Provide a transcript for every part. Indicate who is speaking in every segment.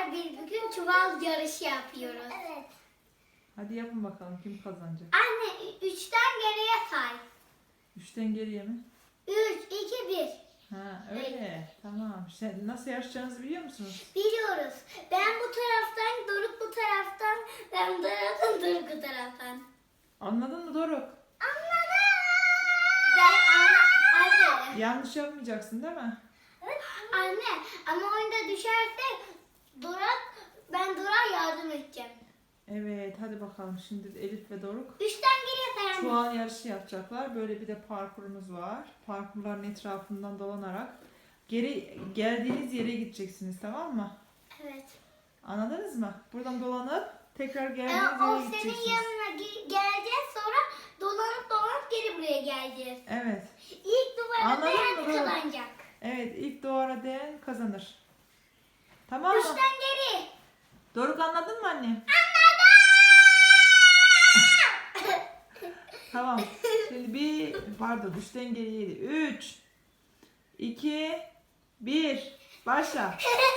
Speaker 1: arkadaşlar biz bugün çuval yarışı yapıyoruz.
Speaker 2: Evet.
Speaker 3: Hadi yapın bakalım kim kazanacak.
Speaker 1: Anne 3'ten geriye say.
Speaker 3: 3'ten geriye mi?
Speaker 1: 3, 2, 1.
Speaker 3: Ha öyle. Tamam. Sen nasıl yarışacağınızı biliyor musunuz?
Speaker 1: Biliyoruz. Ben bu taraftan, Doruk bu taraftan, ben bu taraftan, Doruk bu taraftan.
Speaker 3: Anladın mı Doruk?
Speaker 1: Anladım. Anne.
Speaker 3: Yanlış yapmayacaksın değil mi?
Speaker 1: Anne ama oyunda düşerse ben Doruk'a yardım edeceğim.
Speaker 3: Evet hadi bakalım şimdi Elif ve Doruk
Speaker 1: 3'ten geriye say anne.
Speaker 3: çuval yarışı yapacaklar. Böyle bir de parkurumuz var. Parkurların etrafından dolanarak geri geldiğiniz yere gideceksiniz, tamam mı?
Speaker 1: Evet.
Speaker 3: Anladınız mı? Buradan dolanıp tekrar
Speaker 1: O
Speaker 3: geldiğiniz yere
Speaker 1: senin
Speaker 3: gideceksiniz.
Speaker 1: yanına geleceğiz, sonra dolanıp geri buraya geleceğiz.
Speaker 3: Evet.
Speaker 1: İlk duvara
Speaker 3: Anladın
Speaker 1: dayan
Speaker 3: mı Doruk?
Speaker 1: kazanacak.
Speaker 3: Evet, ilk duvara değen kazanır. Tamam mı?
Speaker 1: 3'ten geri.
Speaker 3: Doruk anladın mı anne? Tamam. Şimdi pardon 3'ten geriydi. 3 2 1 başla.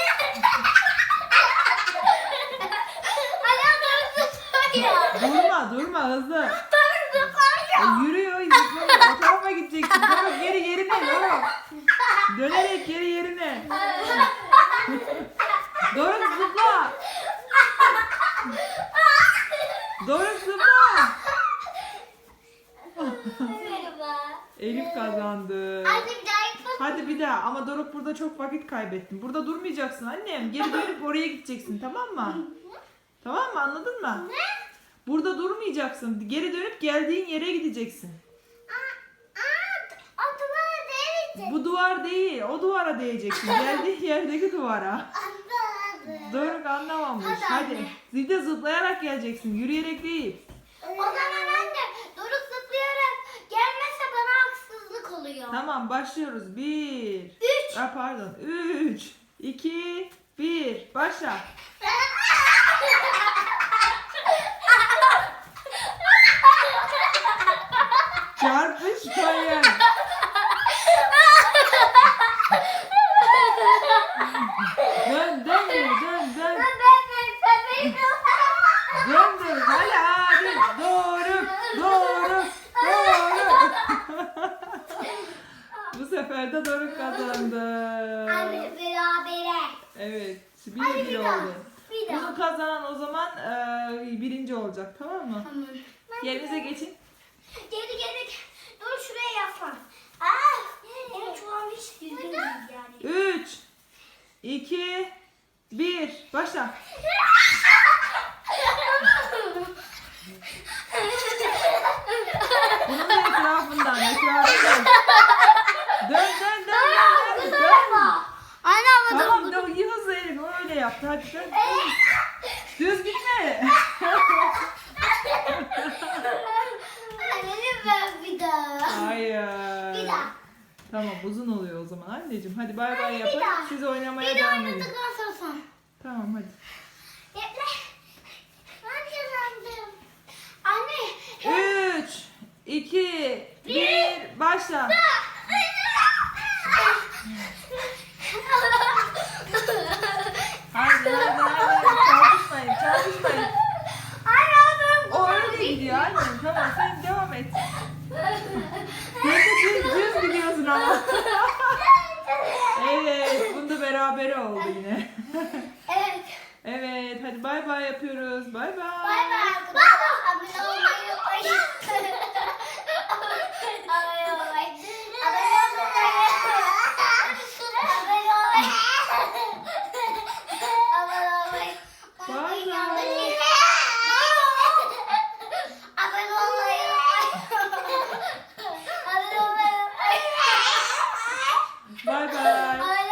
Speaker 3: Durma hızlı. Yürüyor, zıplıyor. O tarafa gideceksin. Doruk geri yerine Doruk. Dönerek geri yerine. Doruk zıpla. Doruk zıpla.
Speaker 1: Merhaba.
Speaker 3: Elif kazandı.
Speaker 1: Anne bir daha yapalım.
Speaker 3: Hadi bir daha, ama Doruk burada çok vakit kaybettin. Burada durmayacaksın annem. Geri dönüp oraya gideceksin, tamam mı? Tamam mı, anladın mı?
Speaker 1: Ne?
Speaker 3: Burada durmayacaksın. Geri dönüp geldiğin yere gideceksin.
Speaker 1: O duvara değmeyecek.
Speaker 3: Bu duvar değil, o duvara değeceksin. Geldiğin yerdeki duvara.
Speaker 1: Anladım.
Speaker 3: Doruk anlamamış.
Speaker 1: Hadi
Speaker 3: Hadi.
Speaker 1: anne.
Speaker 3: Zilde zıplayarak geleceksin. Yürüyerek değil.
Speaker 1: O zaman anne Doruk zıplayarak gelmezse bana haksızlık oluyor.
Speaker 3: Tamam, başlıyoruz. 1
Speaker 1: 3.
Speaker 3: Pardon. 3 2 1 başla. Çarpışmayın. Dön. Döndür. Hadi. Doğru. Bu sefer de Doruk kazandı.
Speaker 1: Anne berabere.
Speaker 3: Evet.
Speaker 1: Hadi
Speaker 3: 1-1
Speaker 1: bir daha.
Speaker 3: oldu.
Speaker 1: Bir daha.
Speaker 3: Bunu kazanan o zaman birinci olacak, tamam mı?
Speaker 1: Tamam.
Speaker 3: Yerinize geçin.
Speaker 1: Geri. Dur şuraya yaslan. Benim çuvalım hiç düzgün değil yani.
Speaker 3: 3 2 1 başla. Bunun da etrafından. Dön.
Speaker 1: Anne ama
Speaker 3: Tamam, iyi hızlı Elif. O öyle yaptı. Hadi dön. Düz gitme.
Speaker 1: Anne ben bir daha.
Speaker 3: Hayır.
Speaker 1: Bir daha.
Speaker 3: Tamam, uzun oluyor o zaman anneciğim. Hadi bay bay
Speaker 1: Bir
Speaker 3: yapın.
Speaker 1: daha.
Speaker 3: Siz oynamaya
Speaker 1: Bir daha
Speaker 3: devam edin.
Speaker 1: oynadıktan sonra sen.
Speaker 3: Tamam hadi.
Speaker 1: Bekle. Ben kazandım. Anne.
Speaker 3: 3 2 1 başla. Haydi. Çarpışmayın.
Speaker 1: Anne adam.
Speaker 3: O öyle gidiyor annem. Tamam, sen devam et. Sen de düz gidiyorsun ama. Evet, bunda berabere oldu yine.
Speaker 1: Evet.
Speaker 3: Evet, hadi bay bay yapıyoruz. Bay bay.
Speaker 1: Bay bay.